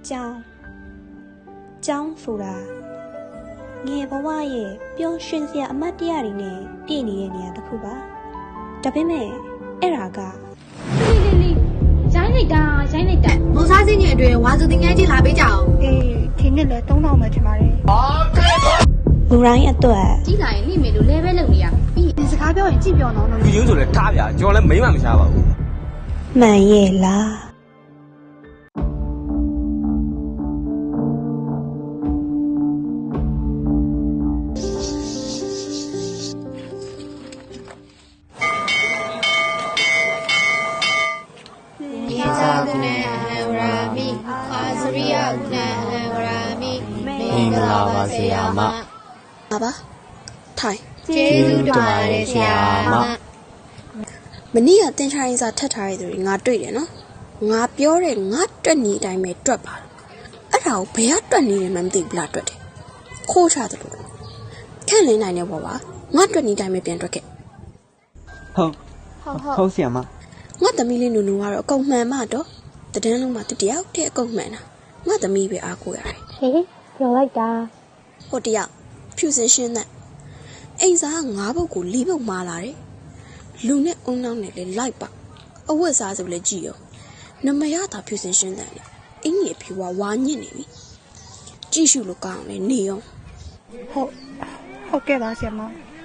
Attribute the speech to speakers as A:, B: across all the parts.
A: ကျောင်းဆိုတာငယ်ဘဝရဲ့ပျော်ရွှင်စရာအမတ်တရားတွေနဲ့ပြည့်နေတဲ့နေရာတစ်ခုပါဒါပေမဲ့အဲ့ဒါက
B: လေးရိုင်းလိုက်တာ
C: မော်စားစင်းရဲ့အတွင်းဝါစုတင်ငယ်ချင်းလာပေးကြအောင်
D: အေးဒီနေ့လဲ3000ပဲထင်ပါတယ်
A: လူတိုင်းအတွက်
B: ကြီးလာရင်လိမယ်လို့လဲပဲလုပ်နေရ
D: ပြီးဒီစကားပြောရင်ကြည့်ပြောတော့လို့
E: ဒီရုံးဆိုလဲထားဗျာကျွန်တော်လည်းမိမ့်မှမရှားပါဘူး
A: မှန်ရဲ့လား
F: မင်္ဂလာပါဆရာမ
A: ပါထိုင်
C: ကျေးဇူးတင်ပါတယ်ဆရာမ
A: မနေ့ကတင်ချိုင်းစာထပ်ထားရတဲ့သူတွေငါတွေ့တယ်နော်ငါပြောတဲ့ငါတွက်နေအတိုင်းပဲတွက်ပါအဲ့ဒါကိုဘယ်ကတွက်နေတယ်မှမသိဘူးလားတွက်တယ်ခိုးချတယ်လို့ခန့်လင်းနိုင်နေပေါ့ပါငါတွက်နေတိုင်းပဲပြန်တွက်ခဲ့
F: ဟုတ်ဆရာမ
A: ငါသမီးလေးနူနူကတော့အကုန်မှန်မှတော့တန်းလုံးမှာတယောက်တည်းအကုန်မှန်တာငါသမီးပဲအားကိုးရတယ်
D: ဟေးပြောလိုက်တာ
A: ဟိုတယောက်ဖြူစင်ရှင်းတဲ့အိမ်စား9ပုတ်ကို4ပုတ်မာလာတယ်လူနဲ့အုံနောက်နဲ့လည်းလိုက်ပါအဝတ်စားဆိုလည်းကြည့်ရောနမရတာဖြူစင်ရှင်းတဲ့အင်းကြီးအဖြူဝါညစ်နေပြီကြည့်ရှုလို့ကောင်းတယ်နေရော
D: ဟုတ်ကဲ့ပါဆရာမ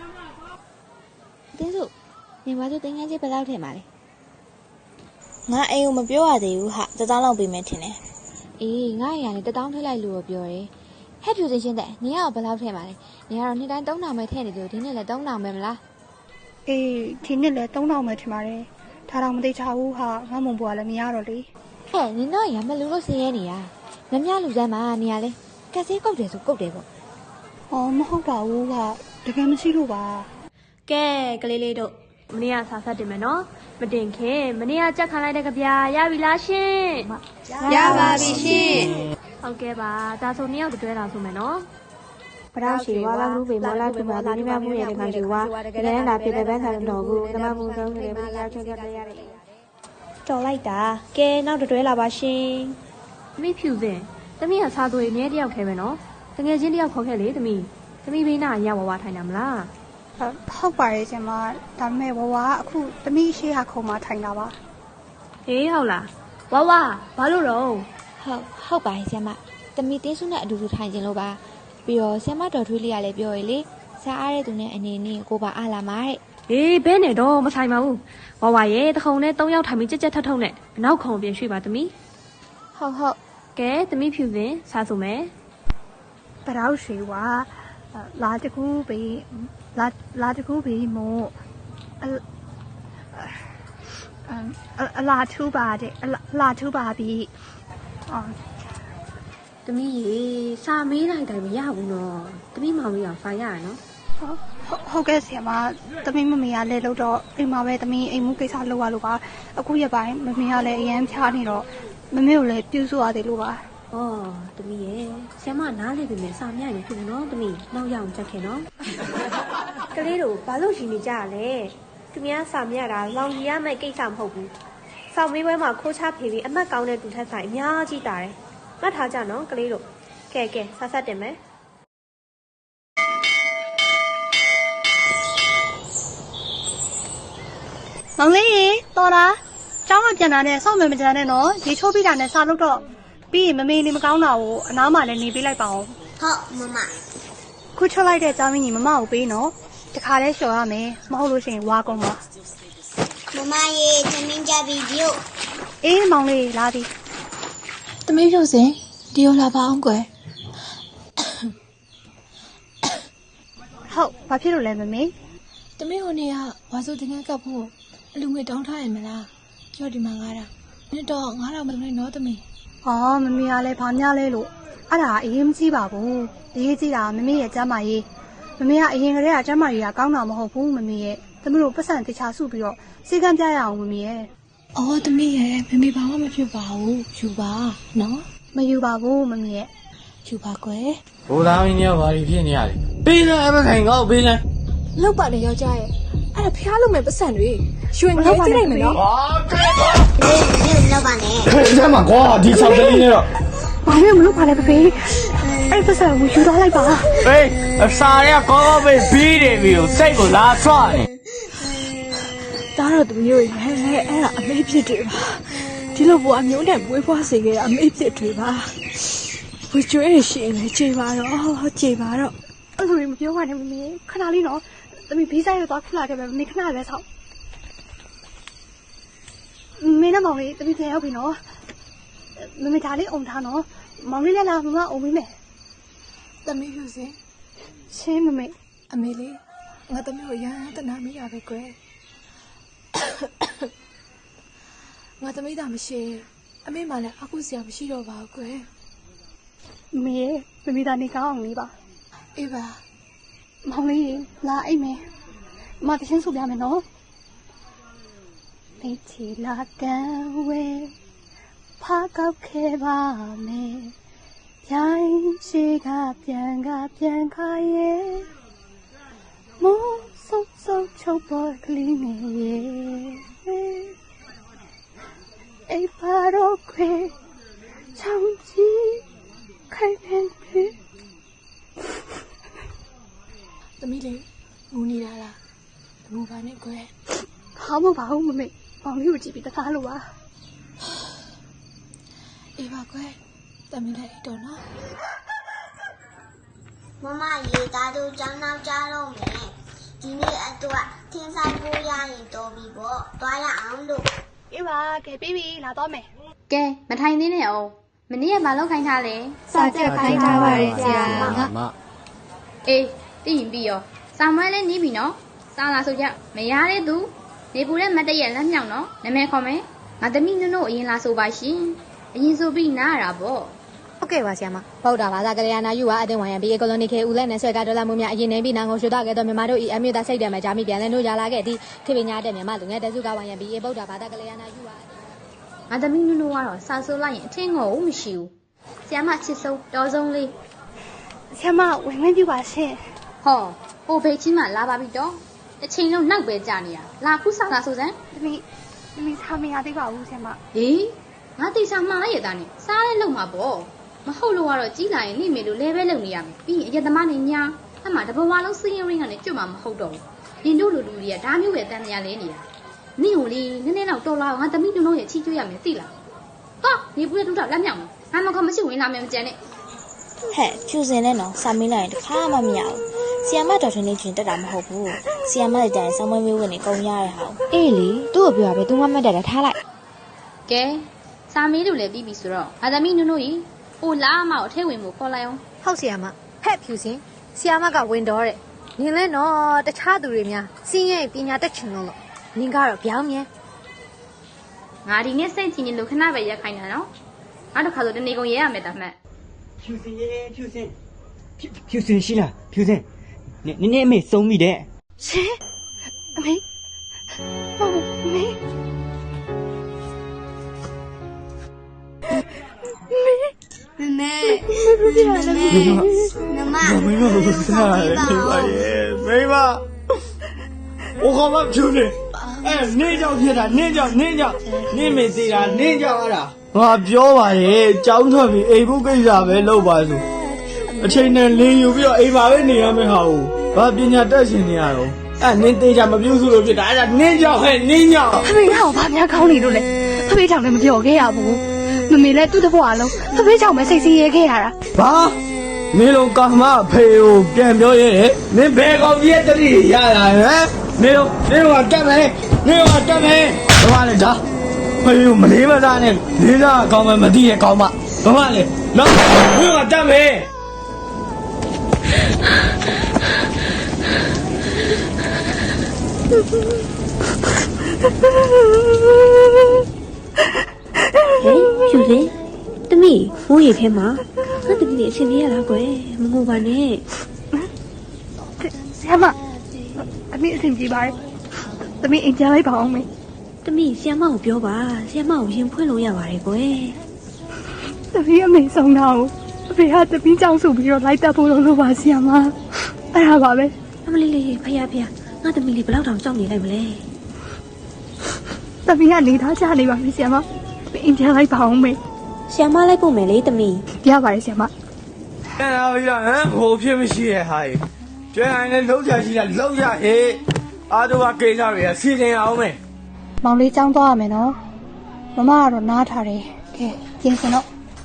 B: တင်းစုညီမတို့တင်ငယ်ချင်းဘယ်လောက်ထင်ပါလဲ
G: ငါအိမ်ကိုမပြောရသေးဘူးဟာ1000လောက်ပေးမယ်ထင်တယ်
B: အေးငါရရတယ်1000ထည့်လိုက်လို့ပြောတယ်ဟဲ့ဖြူစင်ရှင်းတဲ့ညီကဘယ်လောက်ထည့်ပါလဲညီကတော့နေ့တိုင်း3000ပဲထည့်နေတယ်ဒီနေ့လည်း3000ပဲမလား
D: အေးဒီနေ့လဲ3000ပဲထင်ပါတယ်ဒါတော့မသိချဘူးဟာငါမုံပွားလည်းမရတော့လေ
B: ဟဲ့နင်တော့ရမလူလို့ဆင်းရဲနေရမမြလူစမ်းမှာနေရလဲကက်ဆေးကုတ်တယ်ဆိုကုတ်တယ်ပေါ့
D: မဟုတ်ပါဘူးဟာတကယ်မရှိလို့ပါ
H: ကဲကလေးလေးတို့မနေ့ကစာဖတ်တင်မယ်နော်မတင်ခင်မနေ့ကကြက်ခံလိုက်တဲ့ကြပြရပြီလားရှင်
C: ရပါပြီရှင်
H: ဟုတ်ကဲ့ပါဒါဆို2ယောက်တွဲလာဆိုမယ်နော်
A: ပရောရှိဝါလာလူပေမောလာတူပါဒီမှာမှုရဲ့တခါရှိဝါဒီကနေ့လာပြတဲ့ဘန်းဆိုင်တော်ကိုတမမှုဆုံးနေပြီရောက်ချက်ပြရတယ်တော်လိုက်တာကဲနောက်တွဲလာပါရှင်
H: သမီးဖြူစင်သမီးကစားသွေးအမြဲတယောက်ထဲပဲနော်တကယ်ချင်းတယောက်ခေါ်ခဲ့လေသမီးဘေးနာရဝါထိုင်တာမလား
D: ဟုတ်ပါရဲ့ရှင်မဒါပေမဲ့ဝဝအခုသမီးရှိဟာခုံမှာထိုင်တာပါ
H: ဟေးဟုတ်လားဝဝဘာလို့တော့
B: ဟုတ်ပါရဲ့ဆရာမတမီတင်းစုနဲ့အတူတူထိုင်ခြင်းလို့ပါပြီးတော့ဆရာမတော်ထွေးလေးကလည်းပြောရလေစားအားတဲ့သူနဲ့အနေနဲ့ကိုပါအားလာမှာတဲ့
H: ဟေးဘဲနဲ့တော့မဆိုင်ပါဘူးဝဝရဲ့တခုံနဲ့3ယောက်ထိုင်ပြီးကြက်ထထုံနဲ့အနောက်ခုံပြင်ရွှေ့ပါသမီး
B: ဟုတ်
H: ကဲသမီးဖြူစင်စားဆိုမယ်
D: ပရောက်ရှိဝါလာတကူဘေးလာတကူဘေးမို့အလာထူပါတဲ့အလာထူပါပြီ
H: သမီးရေစာမေးလိုက်တိုင်းမရဘူးနော်သမီးမောင်လေးကဖိုင်ရရနော်
D: ဟုတ်ကဲ့ဆရာမသမီးမမေကလည်းလို့တော့အိမ်မှာပဲသမီးအိမ်မှုကိစ္စလုပ်ရလို့ပါအခုရပိုင်းမမေကလည်းအရန်ဖြားနေတော့မမေကိုလည်းပြုစုရတယ်လို့ပါ
H: ဩသမီးရေဆရာမနားလေပြီမယ်စာမြရင်ဖြစ်တယ်နော်သမီးနောက်ရအောင်ချက်ခင်နော်ကလေးတို့ဘာလို့ရှင်နေကြရလဲသူများစာမြတာလောင်ကြီးရမယ့်ကိစ္စမဟုတ်ဘူးစောင့်မေးပွဲမှာခိုးချဖေးပြီးအမတ်ကောင်းတဲ့သူထက်ဆိုင်အများကြီးတာတယ်မှတ်ထားကြနော်ကလေးတို့ကဲဆက်တင်မယ်
D: မောင်လေးရေတော်လားကျောင်းကပြန်လာတဲ့စောင့်မယ်မကြမ်းနဲ့နော်ရေချိုးပြီးတာနဲ့စာလုပ်တော့ပြီးရင်မမေနေမကောင်းတာကိုအနားမှာလည်းနေပေးလိုက်ပါအောင်
C: ဟုတ်မမ
D: ခုချလိုက်တဲ့ကျောင်းမင်းကြီးမမကိုပေးနော်တခါလဲလျှော်ရမယ်မဟုတ်လို့ရှိရင်ဝါကုန်ပါ
C: မမရေသမင်းကြပြီဒီကို
D: အေးမောင်လေးလာသည်
G: သမီးဖြူစင်ဒီကိုလာပါအောင်ကွယ်
D: ဟုတ်ဘာဖြစ်လို့လဲမမေ
G: သမီးဟိုနေ့ကဝါစုတင်ငယ်ကပ်ဖို့အလူငွေတောင်းထားရမလားကြောက်ဒီမှာ9000နှစ်တော့9000မလုံးနဲ့နော်သမီး
D: မမေကလည်းဘာများလဲလို့အဲ့ဒါအရင်မကြည့်ပါဘူးအရေးကြီးတာမမေရဲ့ကျမ်းမာရေးမမေကအရင်ကတည်းကကျမ်းမာရေးကကောင်းတာမဟုတ်ဘူးမမေရဲ့သမီးတို့ပတ်စံတခြားစုပြီးတော့စေကမ်းပြရအောင်မမေရဲ့
G: သမီးရဲ့မမေဘာမှမဖြစ်ပါဘူးယူပါနော်
D: မယူပါဘူးမမေရဲ့
G: ယူပါကွယ်
E: ဘိုးသားမင်းကြီးကဘာဖြစ်နေရလဲပေးလဲအမခိုင်ကောက်ပေးလဲ
G: လောက်ပါလေယောက်ျားရဲ့အဲ့ဒါဖျားလို့မယ်ပတ်စံတွေရွှေငယ်ကြည့်လိုက်မယ်နော်
C: အေးလောက်ပါနဲ့
E: အဲ့ဒါမှကွာဒီ6ကလေးနဲ့တော့
D: ဘာလို့မလုပ်ပါလဲဖေအဲ့ပတ်စံကိုယူသွားလိုက်ပါ
E: ဟေးအစာတွေကကောင်းကောင်းပဲပြီးတယ်ပြီးတော့စိတ်ကိုလာဆွနေ
G: ဒါတော့သူမျိုးရဲ့အဲ့ဒါအမေဖြစ်တယ်ပါဒီလိုဘွားမျိုးနဲ့မွေးဖွားစေခဲ့တာအမေဖြစ်တယ်ပါဝကျွေးရှင်လေခြေပါတော့ခြေပါတော့
D: အဲ့လိုမပြောပါနဲ့မမေခဏလေးနော်သမီးဘေးဆိုင်ရောက်သွားခဏခဲ့ပဲမမေခဏပဲဆောက်မင်းနဲ့မောင်လေးသမီးပြန်ရောက်ပြီနော်မမေဒါလေးအုံထားနော်မောင်လေးလည်းလာမမအုံမိမယ်
G: သမီးဖြူစင်
D: ရှင်းမမေ
G: အမေလေးငါသမီးကိုရမ်းတနာမိရပဲကွယ်ငါသမီးသာမရှိအမေမှလည်းအခုစရာမရှိတော့ပါဘူးကွယ်
D: မမေမမေဒါနေကောင်းအောင်လေးပါ
G: အေးပါ
D: မောင်လေးလာအိမ်မယ်မတချင်းဆိုပြမယ်နော်လေးချီလာကန်ဝဲဖားကောက်ခဲပါမယ်ရိုင်းရှိကပြန်ခါရဲ့မိုးဆုပ်ချုပ်ပေါ်ကလေးနေရဲ့အိပ်ပါတော့ခွေချောင်းကြီးခိုင်နေပြီ
G: သမီးလေးငူနေတာလားငူပါနဲ့ကွယ်
D: ဟာမပါဘူးမမေမောင်လေးကိုကြည့်ပြီးတခါလို့ပါ
G: အေးပါကွယ်သမီးလေးအိတ်တော်နော်
C: မမရေသားတို့ကျောင်းနောက်ကြတော့မယ်ဒီနေ့အတွက်ထင်းဆိုင်ပိုးရရင်တော်ပြီပေါ့တွားရအောင်လို့
D: အေးပါကဲပြီးပြီလာတော့မယ်
B: ကဲမထိုင်သေးနဲ့အောင်မနေ့ကမလောက်ခိုင်းထားလဲ
D: စာချက်ခိုင်းထားပါတယ်ဆရာ
E: မ
B: အေးသိရင်ပြီးရောစာမွဲလည်းနီးပြီနော်စာလာဆိုကြမရတဲ့သူနေပူတဲ့မတ်တရက်လက်မြောက်နော်နာမည်ခေါ်မယ်ငါသမီးနုံအရင်လာဆိုပါရှင်အရင်ဆိုပြီးနားရတာပေါ့
F: ဟုတ်ကဲ့ပါဆရာမဗုဒ္ဓဘာသာကလျာဏယူဝါအတင်းဝိုင်ရန်ဘီအေကိုလိုနီခေဦးလက်နဲ့ဆွဲကဒေါ်လာမှုများအရင်နေပြီးနာငုံရှုတော့ခဲ့တော့မြန်မာတို့ဤအမျိုးသားစိတ်တယ်မှာဂျာမီပြန်လဲနှိုးကြလာခဲ့သည့်ခေပညာတဲ့မြန်မာလူငယ်တစုကဝိုင်ရန်ဘီအေဗုဒ္ဓဘာသာကလျာဏယူဝါ
B: ငါသမီးနုံကတော့စာဆိုလိုက်ရင်အထင်ငေါ့ဘူးမရှိဘူးဆရာမချစ်ဆုံးတော်ဆုံးလေး
D: ဆရာမဝင်ဝင်ပြပါရှင်
B: ဟောပိုဖေးချင်းမှလာပါပြီတော့တစ်ချိန်လုံးနောက်ပဲကြာနေတာလာခုစားလာဆိုစမ်း
D: သမီးထားမရသေးပါဘူးဆရာမ
B: ဟေးငါတိတ်ဆောင်မှားလိုက်ရတာနဲ့စားလဲလုံမှာပေါ့မဟုတ်လို့ကတော့ကြီးလာရင်နေမေလို့လဲပဲလုံနေရမယ်ပြီးရင်အရက်သမားနေညာအမှတဘဝလုံးစင်းရင်းကနေကြွမှာမဟုတ်တော့ဘူးနင်တို့လူလူတွေကဒါမျိုးပဲတန်တရားလဲနေတာနင့်ကိုလေနည်းနည်းတော့တော်လာငါသမီးနုံရဲ့ချီးကျွေးရမယ်သိလားဟာနေပူတဲ့တူတော့လက်မြောက်မယ်ငါမခေါ်မရှိဝင်လာမယ်မကြမ်းနဲ့
I: ဟဲ့ကျူစင်နဲ့နော်စာမင်းလိုက်ရင်တခါမှမရဘူးဆီယမ်မတော်ထင်းလေးချင်းတက်တာမဟုတ်ဘူးဆီယမ်မလိုက်တိုင်းဆောင်းမွေးမျိုးကနေကုန်ရတဲ့ဟာ
F: အေးလေသူ့ကိုပြောရပဲသူမှမတ်တက်တာထားလိုက်က
B: ဲစာမေးလို့လည်းပြီးပြီဆိုတော့ငါသမီးနုံကြီးဟိုလာမအောင်အထဲဝင်ဖို့ခေါ်လိုက်အောင်
F: ဟုတ်ဆရာမဟဲ့ဖြူစင်ဆရာမကဝင်တော့တဲ့နင်လဲနော်တခြားသူတွေများစီးရဲ့ပညာတက်ချင်လို့နင်ကတော့ပြောင်းမြဲ
B: ငါဒီနေ့စိတ်ကြည်နေလို့ခဏပဲရက်ခိုင်းတာနော်ငါတို့ခါဆိုတနေကုန်ရဲရမယ်တာမှတ်
J: ဖြူစင်ရှိလားဖြူစင်နည်းအမေစုံမိတဲ့
D: ရှင်အမေဟုတ်အမေ
C: မမ
E: မင်းတို့စားတယ်ဒီပါရဲ့မိမ我靠嘛ဖြူနေနေကြောင်ဖြစ်တာနေကြောင်နေမေးသေးတာနေကြောင်အဲ့ဒါငါပြောပါရဲ့ကြောင်းထွက်ပြီးအိမ်ဖို့ကိစ္စပဲလုပ်ပါစို့အချိန်နဲ့လင်းယူပြီးတော့အိမ်ပါပဲနေရမယ့်ဟာကိုဘာပညာတက်ရှင်နေရတော့နင်းသေးချာမပြုစုလို့ဖြစ်တာအဲ့ဒါနင်းကြောင်ဟဲ့နင်းကြောင်
D: ဖဖေကဘာများကောင်းနေလို့လဲဖဖေကြောင့်လည်းမပြောခဲ့ရဘူးမမေလည်းသူ့တဘွားလုံးဖဖေကြောင့်ပဲစိတ်ဆင်းရဲခဲ့ရတာ
E: ဘာမင်းလုံးကာမဖေကိုပြန်ပြောရဲမင်းဘယ်ကောင်ကြီးရဲ့တတိရလာဟမ်မင်းတို့ကတက်မယ်ဘာလဲဒါဖေကိုမလေးမစားနဲ့လေးစားအကောင်းမှမသိရဲ့ကောင်းမဘာလဲနော်မင်းတို့ကတက်မယ်
H: ဟေးဖြူစင်သမီးမိုးရေထဲမှာငါသမီးလေးအဆင်ပြေရလားကွယ်မငိုပါနဲ့
D: ဆရာမအမေအဆင်ပြေပါတယ်သမီးအိမ်ကြလိုက်ပါအောင်မေ
H: သမီးဆီယမကိုပြောပါဆီယမကိုရင်ဖွင့်လို့ရပါတယ်ကွယ်
D: သမီးအမေဆုံးတာကိုအဖေကသမီးကြောင့်ဆိုပြီးတော့လိုက်တက်ဖို့လို့ပါဆရာမအဲ့ဒါပါပဲ
H: အမလေးလေးဖယားငါသမီးလေးဘယ်လောက်တောင်ကြောက်နေလိုက်မလဲ
D: သမီးကနေသားချနေပါပြီဆရာမအိမ်ကြလိုက်ပါအောင်မေ
H: ဆီယမလိုက်ပို့မယ်လေသမီး
D: ပြပါရဆီယမ
E: အဲ့ဒါပြီးတော့ဟိုဖြစ်မရှိရဲ့ဟာကြီးကျွဲတိုင်းလည်းလုံးချရှိတာလုံးရဟေးအားတို့ကကိစ္စတွေကစီစဉ်အောင်မယ်
D: မောင်လေးចောင်းသွားရမယ်နော်မမကတော့နားထားတယ်ကဲပြင်စင်တော့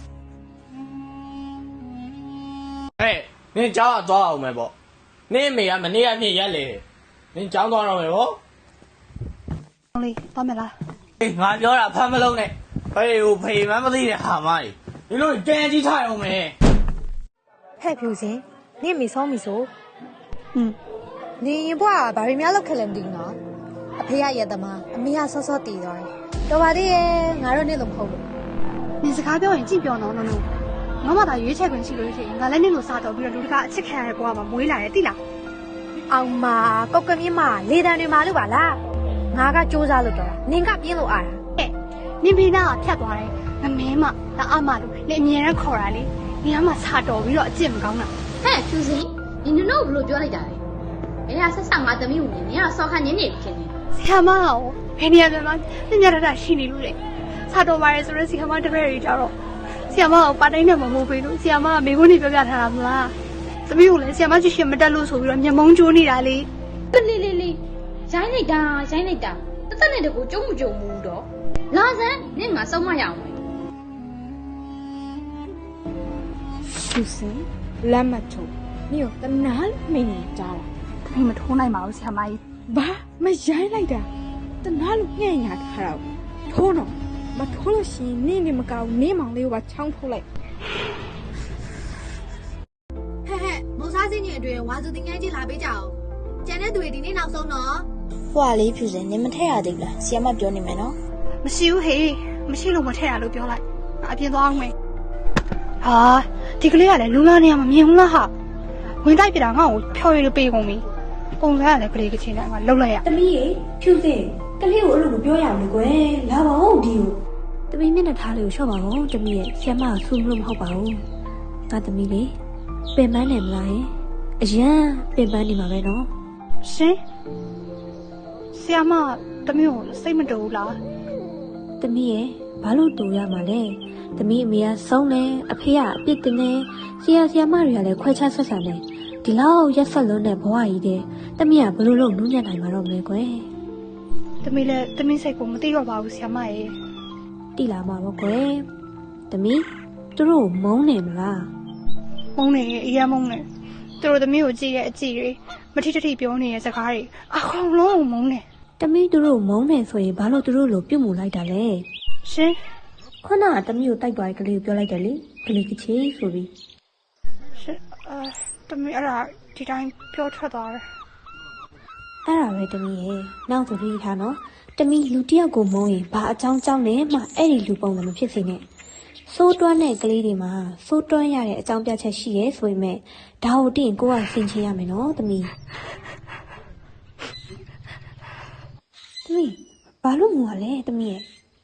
E: ဟဲ့နင်ကြောက်သွားအောင်မယ်ပေါ့နင်အမေကမနေ့ကမြင်ရက်လေနင်ကြောင်းသွားတော့မယ်ပေါ့
D: မောင်လေးသွားမယ်လား
E: အေးငါပြောတာဖမ်းမလုံးနဲ့ဖေးကိုဖေးမှမသိတဲ့ဟာမကြီးဒီလိုတန်ကြီးထားအောင်မယ်
F: ဟဲ့ဖြူစင်နင့်မေဆောင်းပြီဆို
D: နင်ရင်ဘွားဘာတွေများလောက်ခက်လဲမသိဘူးနော်
F: အဖေရရက်သမားအမေကစောစောတည်သွားတယ်တော်ပါသေးရဲ့ငါတို့နဲ့လုံးမဟုတ်လို့
D: နင်စကားပြောရင်ကြည့်ပြောနော်နော်ငါမှသာရွေးချယ်ခွင့်ရှိလို့ရှိရင်ငါလည်းနင့်ကိုစားတော့ပြီးတော့လူတကာအချစ်ခံရတဲ့ဘွားမှာမွေးလာတယ်သိလား
F: အောင်မကောက်ကမြင့်မလေတံတွေမှာလို့ပါလားငါကစူးစမ်းလို့တော့နင်ကပြင်းလို့အားတာ
D: နင်ဖေးနာကဖြတ်သွားတယ်ငမင်းမဒါအမလို့နင်အမြဲတမ်းခေါ်တာလေနင်ကမှစားတော့ပြီးတော့အကျင့်မကောင်းတာ
B: ဟဲ့ဖြူစင်ဒီနင်တို့ဘလို့ပြောလိုက်တာလဲမင်းကဆက်ဆက်ငါသမီးကိုမြင်နေရဆောက်ခန့်နေနေဖြစ်နေ
D: ဆီယမရောဘယ်နေရာမှာညညတရှိနေလို့လေစားတော့ပါရဲဆိုတော့ဆီယမတပည့်တွေကြတော့ဆီယမကိုပါတိုင်းနဲ့မမိုးပေးလို့ဆီယမကမိခွန်းနေပြောပြထားတာမလားသမီးကိုလည်းဆီယမကြည့်ရှင်မတက်လို့ဆိုပြီးတော့မျက်မုံးကျိုးနေတာလေ
B: လေးရိုင်းလိုက်တာတသက်နဲ့တကူကျုံမကြုံဘူးတော့လာစမ်းနင့်ငါစောက်မရအောင်
G: ဖြူစင်လက်မထုံနင်ကတနာမင်းနေကြတာ
D: သမီးမထိုးနိုင်ပါဘူးဆီယမကြီး
G: ဘာမရိုင်းလိုက်တာတနာလို့ညံ့ညာထားတော့ထိုးတော့မထိုးလို့ရှိရင်နင့်နေမကောင်းနင့်မောင်လေးကိုပါချောင်းထုတ်လိုက်
F: ဟဲ့မောင်စားစင်းကြီးအတွင်ဝါစုတင်ငန်းကြီးလာပေးကြအောင်ကျန်တဲ့သူတွေဒီနေ့နောက်ဆုံးတော့
I: ဟွာလေးဖြူစင်နင်မထက်ရသေးဘူးလားဆီယမပြောနေမယ်နော်
D: မရှိဘူးဟေးမရှိလို့မထည့်ရလို့ပြောလိုက်အပြင်သွားအောင်မယ်ဟာဒီကလေးကလည်းလူလာနေရမမြင်ဘူးလားဟာဝင်တိုက်ပြတာငါ့ကိုဖြော်ရည်လို့ပေးကုန်ပြီပုံစံကလည်းကလေးကချင်းနဲ့ငါလှုပ်လိုက်ရ
H: သမီးရေဖြူစင်ကလေးကိုအဲ့လိုမပြောရဘူးကွယ်လာပါဦးဒီကိုသမီးမျက်နှာထားလေးကိုလျှော့ပါဦးသမီးရဲ့ဆီယမကဆူလို့မဟုတ်ပါဘူးငါသမီးလေးပင်ပန်းနေမလားယင်အရန်ပင်ပန်းနေမှာပဲနော်
D: ရှင်ဆီယမတမျိုးကိုစိတ်မတူဘူးလား
H: သမီးရဲ့ဘာလို့တူရမှာလဲသမီးအမေကဆုံးတယ်အဖေကအပြစ်တင်တယ်ဆရာမတွေကလည်းခွဲခြားဆက်ဆံတယ်ဒီလောက်ရက်ဆက်လုံးတဲ့ဘဝကြီးတဲ့သမီးကဘယ်လိုလုပ်နူးညံ့နိုင်မှာတော့မလဲကွယ်
D: သမီးလည်းသမီးစိတ်ကိုမသိတော့ပါဘူးဆီယမရဲ့
H: တိလာမှာပေါ့ကွယ်သမီးသူတို့မုန်းနေမလား
D: မုန်းနေရဲ့အရင်မုန်းနေသူတို့သမီးကိုကြည့်ရဲ့အကြည့်တွေမထိထိပြောနေတဲ့စကားတွေအကုန်လုံးမုန်းနေ
H: သမီးသူတို့မုန်းနေဆိုရင်ဘာလို့သူတို့လိုပြုတ်မှုလိုက်တာလဲ
D: ရှင်
H: ခုနကသမီးကိုတိုက်သွားတဲ့ကလေးကိုပြောလိုက်တယ်လေကလေးကချေဆိုပြီး
D: ရှင်သမီးအဲ့ဒါဒီတိုင်းပြောထွက်သွားတယ်
H: အဲ့ဒါပဲသမီးရဲ့နောက်ဆိုပြီးထားနော်သမီးလူတစ်ယောက်ကိုမုန်းရင်ဘာအကြောင်းကြောင့်လဲမှအဲ့ဒီလူပုံစံမဖြစ်စေနဲ့စိုးတွန်းတဲ့ကလေးတွေမှာစိုးတွန်းရတဲ့အကြောင်းပြချက်ရှိရဲဆိုပေမဲ့ဒါကိုသိရင်ကိုကဆင်ခြင်ရမယ်နော်သမီးဘာလို့ငိုရလဲသမီးရဲ့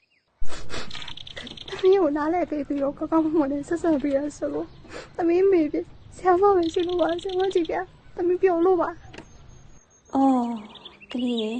D: သမီးကိုနားလဲပေးပြီးတော့ကောင်းကောင်းမွန်မွန်နဲ့ဆက်ဆက်ပြီးရဆိုလို့သမီးမေပြီဆရာမပဲရှိလို့ပါဆရာမကြည့်ပြသမီးပြောလို့ပါ
H: အော်ကလေးရဲ့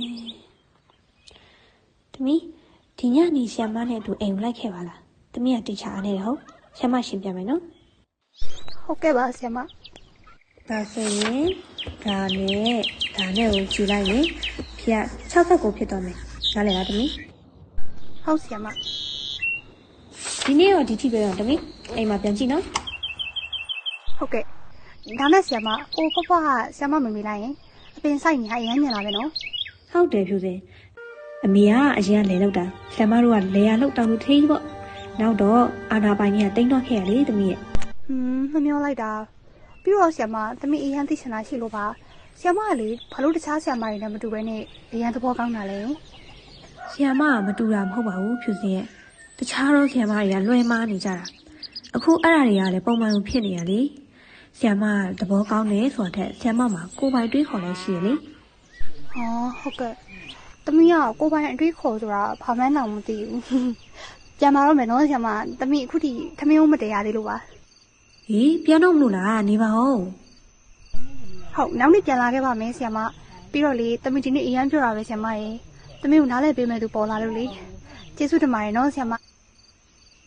H: သမီးဒီညနေဆရာမနဲ့အတူအိမ်လိုက်ခဲ့ပါလားသမီးကတေချာအားနေတယ်ဟုတ်ဆရာမရှင်းပြမယ်နော်
D: ဟုတ်ကဲ့ပါဆရာမ
H: ဒါဆိုရင်ဒါနဲ့ကိုကြည့်လိုက်ရင်ဖေက69ဖြစ်တော့မယ်နားလည်လားသမီး
D: ဟုတ်ဆရာမ
H: ဒီနေ့တော့ဒီထိပဲတော့သမီးအိမ်မှာပြန်ကြည့်နော်
D: ဟုတ်ကဲ့ဒါနဲ့ဆရာမအိုးဖွားကဆရာမမမေးလိုက်ရင်အပင်ဆိုင်နေဟာအရမ်းညံလာပဲနော်
H: ဟုတ်တယ်ဖြူစင်အမေကအရင်ကလဲလောက်တာဆရာမတို့ကလဲရလောက်တောင်လို့ထေးကြီးပေါ့နောက်တော့အာနာပိုင်ကြီးကတိန်းတော့ခဲ့ရလေသမီးရဲ့
D: မမျောလိုက်တာပြီးတော့ဆရာမသမီးအရန်သိချင်တာရှိလို့ပါဆရာမကလေဘာလို့တခြားဆရာမတွေနဲ့မတူဘဲနဲ့အရန်သဘောကောင်းတာလဲ
H: ဆီယမကမတူတာမဟုတ်ပါဘူးဖြူစင်ရဲ့တခြားတော့ဆီယမတွေကလွှဲမားနေကြတာအခုအဲ့ဒါတွေကလည်းပုံမှန်လိုဖြစ်နေရလေဆီယမကသဘောကောင်းတယ်ဆိုတာထက်ဆီယမမှာကိုယ်ပိုင်တွေးခေါ်လဲရှိရလေ
D: ဟောဟုတ်ကဲ့သမီးကကိုယ်ပိုင်အတွေးခေါ်ဆိုတာဘာမှန်းတော့မသိဘူးပြန်လာတော့မယ်နော်ဆရာမသမီးအခုထိထမင်းဦးမတရားသေးလို့ပါ
H: ဟေးပြန်တော့မလို့လားနေပါဦး
D: ဟုတ်နောက်နေ့ပြန်လာခဲ့ပါမယ်ဆရာမပြီးတော့လေသမီးဒီနေ့အရန်ပြောတာပဲဆရာမရေသမီးကိုနားလဲပေးမယ်သူပေါ်လာလို့လေကျေးဇူးတင်ပါတယ်နော်ဆရာမ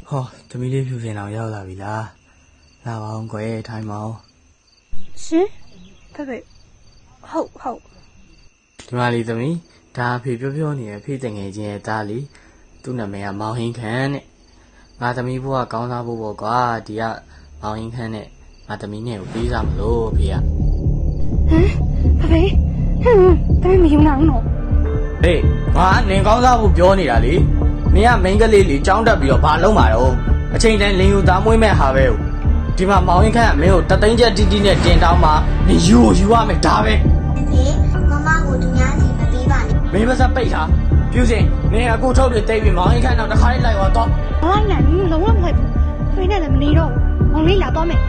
E: ဟောသမီးလေးဖြူစင်အောင်ရောက်လာပြီလားလာပါအောင်ကွယ်ထိုင်ပါအောင်
D: ရှင်ဖေဖေဟုတ်
E: ဒီမလေးသမီးဒါအဖေပြောနေရဲ့ဖေတငယ်ချင်းရဲ့ဒါလီသူ့နာမည်ကမောင်ဟင်းခန့်တဲ့ငါသမီးဘိုးကကောင်းစားဖို့ပေါ့ကွာဒီကမောင်ဟင်းခန့်နဲ့ငါသမီးနဲ့ကိုပေးစားမလို့အဖေက
D: ဖေဖေမယူနိုင်တော့
E: ဟေးငါနင်ကောင်းစားဖို့ပြောနေတာလေနင်ကမိန်းကလေးလေးကြောင်းတက်ပြီးတော့ဘာလုပ်မှာတော့အချိန်တိုင်းလင်ယူသားမွေးမဲ့ဟာပဲဒီမှာမောင်ရင်ခန့်ကမင်းကိုတသိန်းချက်တီးတီးနဲ့တင်တောင်းမှာနင်ယူရမယ်ဒါပဲ
C: လေမမကိုသူများစီမပေးပါနဲ့
E: မင်းမစပိတ်ထားပြုစင်နင်အခုထုတ်တွေတိတ်ပြီးမောင်ရင်ခန့်တော့တစ်ခါလေးလိုက်သွားတော့
D: လိုက်နိုင်လုံးဝမလိုက်ဘူးဖေနဲ့လည်းမနေတော့မောင်လေးလာတော့မယ်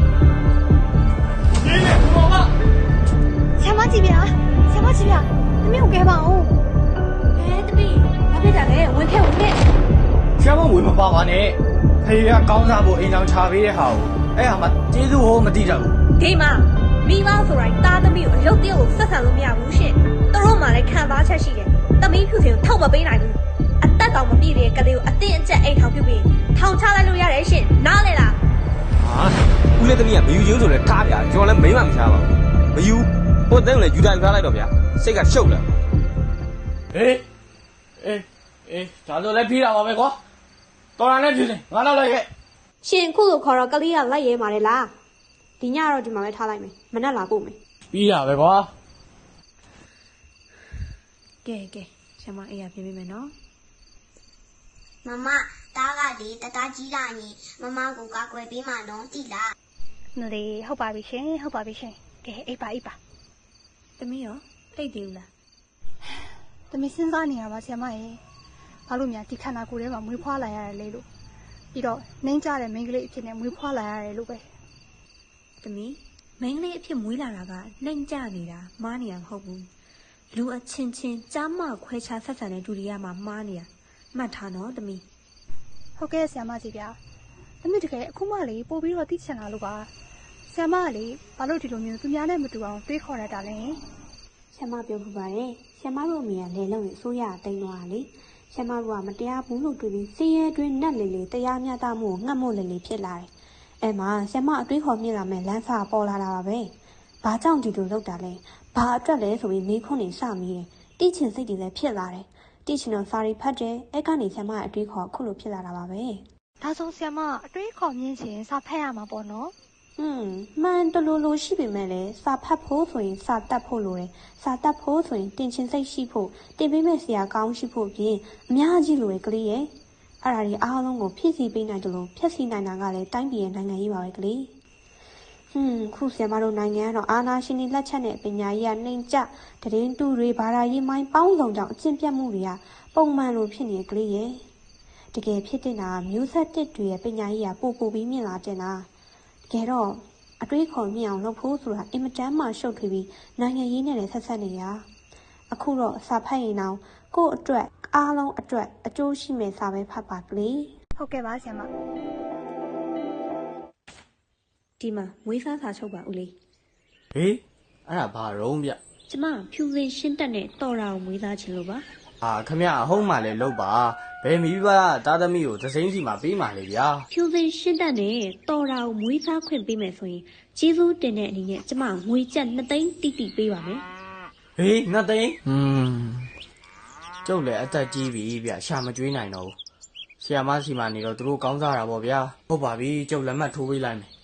E: နင်နဲ့ဘောမ
D: ဆရာမကြည့်ဗျာသမီးကိုကဲပါအောင်
H: သမီးဘာဖြစ်တာလဲဝင်ခဲ့
E: ဆရာမဝေမပါပါနဲ့ဖေကကောင်းစားဖို့အိမ်အောင်ချပေးတဲ့ဟာကိုအဲ့ဟာမှကျေးဇူးဟောမသိတတ်ဘူး
H: ဒီမှာမိဘဆိုတိုင်းတားသမီးကိုအလုပ်တည်းကိုဆက်ဆံလို့မရဘူးရှင်သူတို့မှလည်းခံစားချက်ရှိတယ်သမီးဖြူစင်ကိုထောက်မပေးနိုင်ဘူးအသက်တောင်မပြည့်တဲ့ကလေးကိုအတင်းအကျပ်အိမ်ထောင်ပြုတ်ပြီးထောင်ချလိုက်လို့ရတယ်ရှင်နားလေလား
K: ဟာဦးလေးသမီးကမယူချင်းဆိုလဲထားဗျာကျွန်တော်လည်းမိမမချပါဘူးမယူဟိုတဲ့လည်းယူတိုင်းထားလိုက်တော့ဗျာစိတ်ကရှုပ်လာ
E: အေးဒါဆိုလည်းပြေးတာပါပဲကွာတော်ရနဲ့ပြုစင်ငါတော့လိုက်ခဲ့
H: ရှင်ခုလိုခေါ်တော့ကလေးကလိုက်ရဲมาတယ်လားဒီညတော့ဒီမှာပဲထားလိုက်မယ်မနဲ့လာပို့မယ်
E: ပြီးတာပဲကွာ
H: ကဲဆရာမအေးရပြင်ပေးမယ်နော်
C: မမတားကလေတတားကြီးလာရင်မမကိုကာကွယ်ပေးမှတော့တိလား
D: လေဟုတ်ပါပြီရှင်ကဲအိပ်ပါ
H: သမီးရောတိတ်သေးဘူးလား
D: သမီးစဉ်းစားနေရပါဆရာမရေဘာလို့များဒီခန္ဓာကိုယ်ထဲမှာမွေးဖွားလာရတယ်လေလို့ပြီးတော့နှင်းကြတဲ့မိန်းကလေးအဖြစ်နဲ့မွေးဖွားလာရတယ်လို့ပဲ
H: သမီးမိန်းကလေးအဖြစ်မွေးလာတာကနှိမ်ကြနေတာမားနေတာမဟုတ်ဘူးလူအချင်းချင်းကြားမခွဲခြားဆက်ဆံတဲ့ဒူရီယာမှာမားနေတာမှတ်ထားနော်သမီး
D: ဟုတ်ကဲ့ဆရာမကြီးဗျာသမီးတကယ်အခုမှလေပို့ပြီးတော့သိချင်တာလို့ပါဆရာမကလေဘာလို့ဒီလိုမျိုးသူများနဲ့မတူအောင်တွေးခေါ်ရတာလဲ
H: ဆရာမပြောပြပါရဲ့ဆရာမတို့အမေကလဲလုံးနဲ့အစိုးရတိန်သွားတာလေဆရာမတို့ကမတရားဘူးလို့တွေးပြီးစည်ရဲတွင်းနက်လေလေတရားမျှတမှုကိုငတ်မို့လေလေဖြစ်လာတယ်အဲ့မှာဆရာမအတွေးခေါ်မြင်လာမဲ့လမ်းစာပေါ်လာတာပါပဲဘာကြောင့်ဒီလိုလုပ်တာလဲဘာအတွက်လဲဆိုပြီးမေးခွန်းနေစမိတယ်တိချင်စိတ်တွေလည်းဖြစ်လာတယ်တိချင်တော့စာရီဖတ်တယ်အဲ့ကနေဆရာမရဲ့အတွေးခေါ်ခုလိုဖြစ်လာတာပါပဲ
D: ဒါဆိုဆရာမအတွေးခေါ်မြင်ခြင်းစာဖတ်ရမှာပေါ့နော်
H: မှန်တလူလိုရှိပေမဲ့လည်းစာဖတ်ဖို့ဆိုရင်စာတတ်ဖို့လိုတယ်စာတတ်ဖို့ဆိုရင်တင်ချင်စိတ်ရှိဖို့တင်ပေးမဲ့ဆရာကောင်းရှိဖို့ပြင်အများကြီးလိုတယ်ကလေးရဲ့အဲ့ဒါဒီအားလုံးကိုဖြည့်ဆည်းပေးနိုင်တယ်လို့ဖြည့်ဆည်းနိုင်တာကလည်းတိုင်းပြည်ရဲ့နိုင်ငံရေးပါပဲကလေးခုဆရာမတို့နိုင်ငံကတော့အာဏာရှင်တွေလက်ချက်နဲ့ပညာရေးကနှိမ်ကျတရင်တူတွေဘာသာရေးမိုင်းပေါင်းစုံကြောင့်အကျင့်ပြတ်မှုတွေကပုံမှန်လိုဖြစ်နေကလေးရဲ့တကယ်ဖြစ်တဲ့တာမျိုးဆက်တစ်တွေရဲ့ပညာရေးကပိုပြီးမြင့်လာတဲ့လားတကယ်တော့အတွေးခေါ်မြင်အောင်လုပ်ဖို့ဆိုတာအင်မတန်မှရှုပ်ထွေးပြီးနိုင်ငံရေးနဲ့လည်းဆက်ဆက်နေရအခုတော့စာဖတ်ရင်တော့ကိုယ့်အတွက်အားလုံးအတွက်အကျိုးရှိမဲ့စာပဲဖတ်ပါကလေး
D: ဟုတ်ကဲ့ပါဆရာမ
H: ဒီမှာမွေးစားစာချုပ်ပါဦးလေး
E: ဟေးအဲ့ဒါဘာရုံးဗျ
H: ကျမဖြူစင်ရှင်းတက်နဲ့တော်တာကိုမွေးစားခြင်းလို့ပါ
E: ခမရအဟုတ်မှလည်းလုပ်ပါဘယ်မိဘသားသမီးကိုသစိမ်းစီမှာပေးမှလေဗျာ
H: ဖြူစင်ရှင်းတက်နဲ့တော်တာကိုမွေးစားခွင့်ပေးမယ်ဆိုရင်ကျေးဇူးတင်တဲ့အနေနဲ့ကျမငွေကျပ်2သိန်းတိတိပေးပါမယ်
E: ဟေး2သိန်းကျုပ်လည်းအသက်ကြီးပြီဗျရှာမကျွေးနိုင်တော့ဘူးဆရာမစီမှာနေတော့သူတို့ကောင်းစားတာပေါ့ဗျာဟုတ်ပါပြီကျုပ်လက်မှတ်ထိုးပေးလိုက်မယ်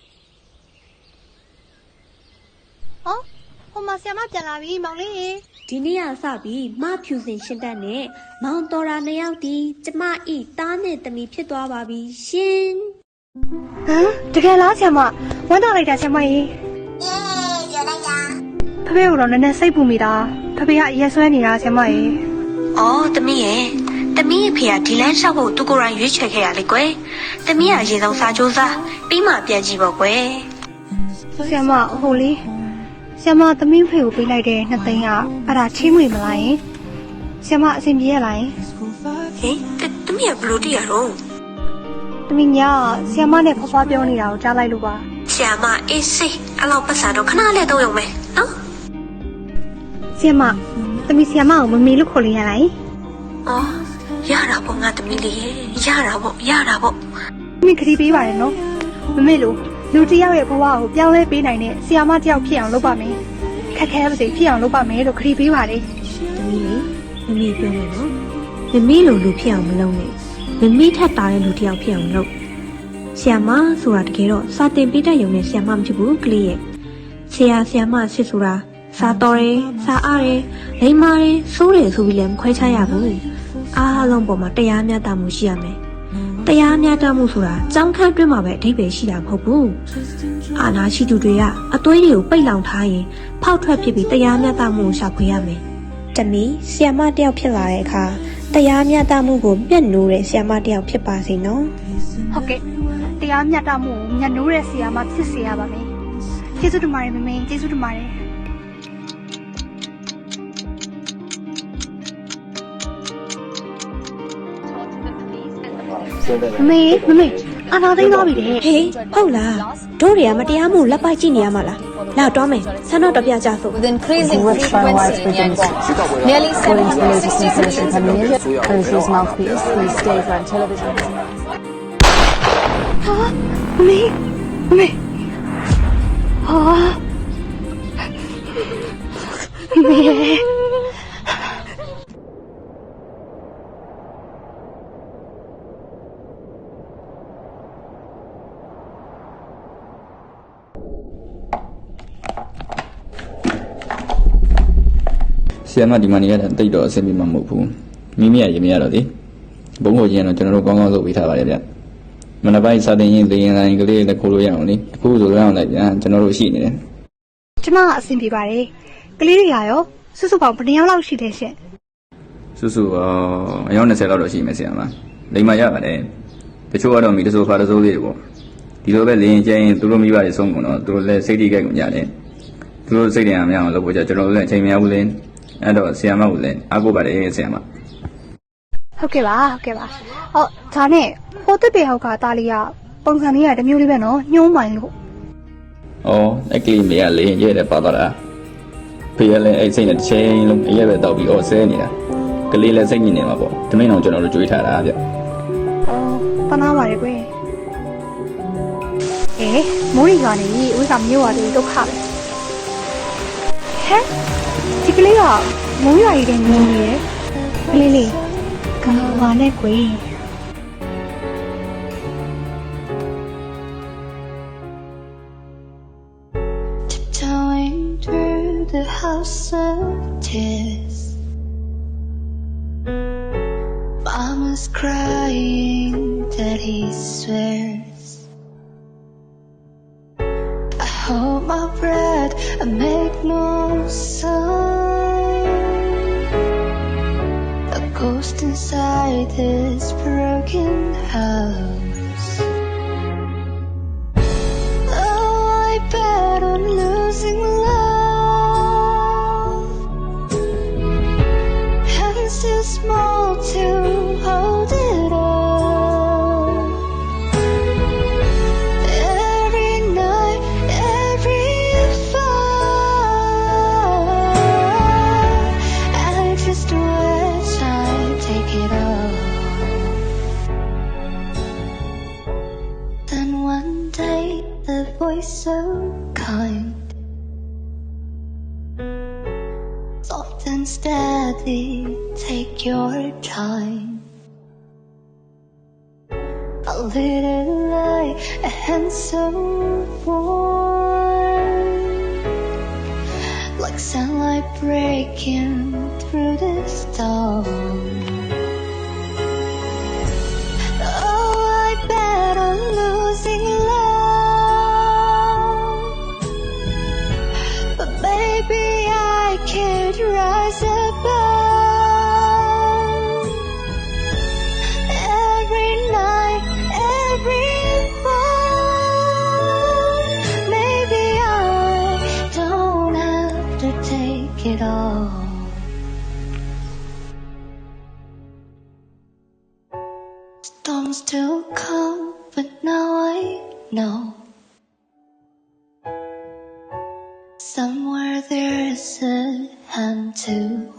D: ဟိုမှာဆရာမပြန်လာပြီမောင်လေး
H: ဒီနေ့ကစပြီးမဖြူစင်ရှင်းတက်နဲ့မောင်တော်တာ2ယောက်ဒီကျမဤသားနဲ့သမီးဖြစ်သွားပါပြီရှင်
D: တကယ်လားဆရာမဝမ်းသာလိုက်တာဆရာမကြီး
C: ပြောလိုက်တာ
D: ဖေဖေကတော့နည်းနည်းစိတ်ပူမိတာဖေဖေကအရက်ဆွဲနေတာဆရာမကြီး
H: အော်သမီးရဲ့သမီးအဖေကဒီလမ်းလျှောက်ဖို့သူကိုယ်တိုင်ရွေးချယ်ခဲ့ရလေကွယ်သမီးကအရင်ဆုံးစာကြိုးစားပြီးမှပြန်ကြည့်ပေါ့ကွယ်
D: ဆရာမဟိုလေးဆရာမသမီးဖေကိုပေးလိုက်တဲ့2သိန်းကအဲ့ဒါချင်းငွေမလားယင်ဆရာမအဆင်ပြေရလားယင်
H: ဟင်သမီးကဘလို့တည်ရတော့
D: သမီးညာဆရာမနဲ့ဖွားဖွားပြောနေတာကိုကြားလိုက်လို့ပါ
H: ဆရာမအေးစိအဲ့လောက်ပတ်စံတော့ခဏလေးတော့ရုံပဲနော်
D: ဆရာမသမီးဆရာမကိုမမေလို့ခေါ်လို့ရလားယင်
H: အော်ရတာပေါ့ငါသမီးလေးရဲ့ရတာပေါ့
D: မင်းခရီးပေးပါရနော်မမေလို့လူတစ်ယောက်ရဲ့ဘဝကိုပြောင်းလဲပေးနိုင်တဲ့ဆီယာမတစ်ယောက်ဖြစ်အောင်လုပ်ပါမယ်ခက်ခဲပါစေဖြစ်အောင်လုပ်ပါမယ်လို့ခရီးပေးပါလေ
H: သမီးလေးမမေပြောမယ်နော်မမေလိုလူဖြစ်အောင်မလုပ်နဲ့မမေထက်တာတဲ့လူတစ်ယောက်ဖြစ်အောင်လုပ်ဆီယာမဆိုတာတကယ်တော့စာတင်ပေးတတ်ရုံနဲ့ဆီယာမမဖြစ်ဘူးကလေးရဲ့ဆီယာမစစ်ဆိုတာစာတော်တယ်စာအားတယ်လိမ္မာတယ်စိုးတယ်ဆိုပြီးလည်းမခွဲခြားရဘူးအားလုံးပေါ်မှာတရားမျှတမှုရှိရမယ်တရားမျှတမှုဆိုတာကြောင်းခန့်တွင်းမှာပဲအဓိပ္ပာယ်ရှိတာမဟုတ်ဘူးအာနာရှိသူတွေကအသွေးတွေကိုပိတ်လောင်ထားရင်ဖောက်ထွက်ဖြစ်ပြီးတရားမျှတမှုကိုရှာဖွေရမယ်တမီဆီယာမတယောက်ဖြစ်လာတဲ့အခါတရားမျှတမှုကိုမျက်နှိုးတဲ့ဆီယာမတယောက်ဖြစ်ပါစေနော်
D: ဟုတ်ကဲ့တရားမျှတမှုကိုမျက်နှိုးတဲ့ဆီယာမဖြစ်စေရပါမယ်ကျေးဇူးတင်ပါတယ်မမေကျေးဇူးတင်ပါတယ်မမေအာနာသိမ်းသွားပြီတဲ့
H: ဟေးဟုတ်လားတို့တွေကမတရားမှုလက်ပိုက်ကြည့်နေရမှာလားလာတော့မယ်ဆန္ဒတော်ပြကြစို့
L: With increasing frequency in Yangon, nearly 760 citizens have been Police's mouthpiece, these daytime television.
D: ဟာမမေဟာမမေ
M: ဆီယမဒီမနီရတဲ့တိတ်တော့အဆင်ပြေမှာမဟုတ်ဘူးမိမိရရင်မရတော့လေဘုံကိုချင်းတော့ကျွန်တော်တို့ကောင်းကောင်းလုပ်ပေးထားပါတယ်ဗျမနက်ပိုင်းစာတင်ရင်သင်ရင်တိုင်းကလေးလည်းခိုးလို့ရအောင်လေအခုဆိုရအောင်လည်းဗျာကျွန်တော်တို့ရှိနေတယ်
D: ကျမအဆင်ပြေပါတယ်ကလေးတွေကရောစုစုပေါင်းဘယ်နှယောက်လောက်ရှိတယ်ရှင်
M: စုအယောက်20လောက်တော့ရှိမယ်ဆီယမလိမ္မာရပါတယ်တချို့ကတော့မိတဆိုးဖာတဆိုးလေးတွေပေါ့ဒီလိုပဲလင်းကျင်းသူတို့မိဘတွေဆုံးကုန်တော့သူတို့လည်းစိတ်ထိခိုက်ကုန်ကြတယ်သူတို့စိတ်တရားမရအောင်လုပ်ဖို့ကျွန်တော်တို့လည်းအချိန်မရဘူးလေအဲ့တော့ဆီယမကိုလည်းအားကိုးပါတယ်ဆီယမ
D: ဟုတ်ကဲ့ပါဟုတ်ဒါနဲ့ဟိုတက်တဲ့ဟောက်ကတားလေးကပုံစံလေးကတမျိုးလေးပဲနော်ညှိုးမိုင်လို့
M: အဲ့ကလေးမေကလေရဲတယ်ပါသွားတာဖေးလည်းအဲ့စိတ်နဲ့တစ်ချိန်လုံးအရက်ပဲတောက်ပြီးဆဲနေတာကလေးလည်းစိတ်ညစ်နေမှာပေါ့တမင်းအောင်ကျွန်တော်တို့ကြွေးထားတာဗျ
D: တနာပါတယ်ကွယ်မိုးရီကနေဝိကမျိုးရတယ်ဒုက္ခပဲဒီကလေးကမိုးရွာရီတဲ့ညင်းနေရယ်ကလေးလေးကဘာနဲ့ကွယ်
N: Tiptoeing through the house of tears Mama's crying, Daddy swears I hold my breath, I make no sound A ghost inside this broken house Oh, I bet on losing love Hands too small to hold it up Every night, every fall I just wish I'd take it all Then one day the voice so kind Soft and steady, take your time A little light, a hand so warm Like sunlight breaking through the storm Oh, I bet on losing love But maybe I could rise above Every night, every fall Maybe I don't have to take it all Storms still come, but now I know Somewhere there's a hand to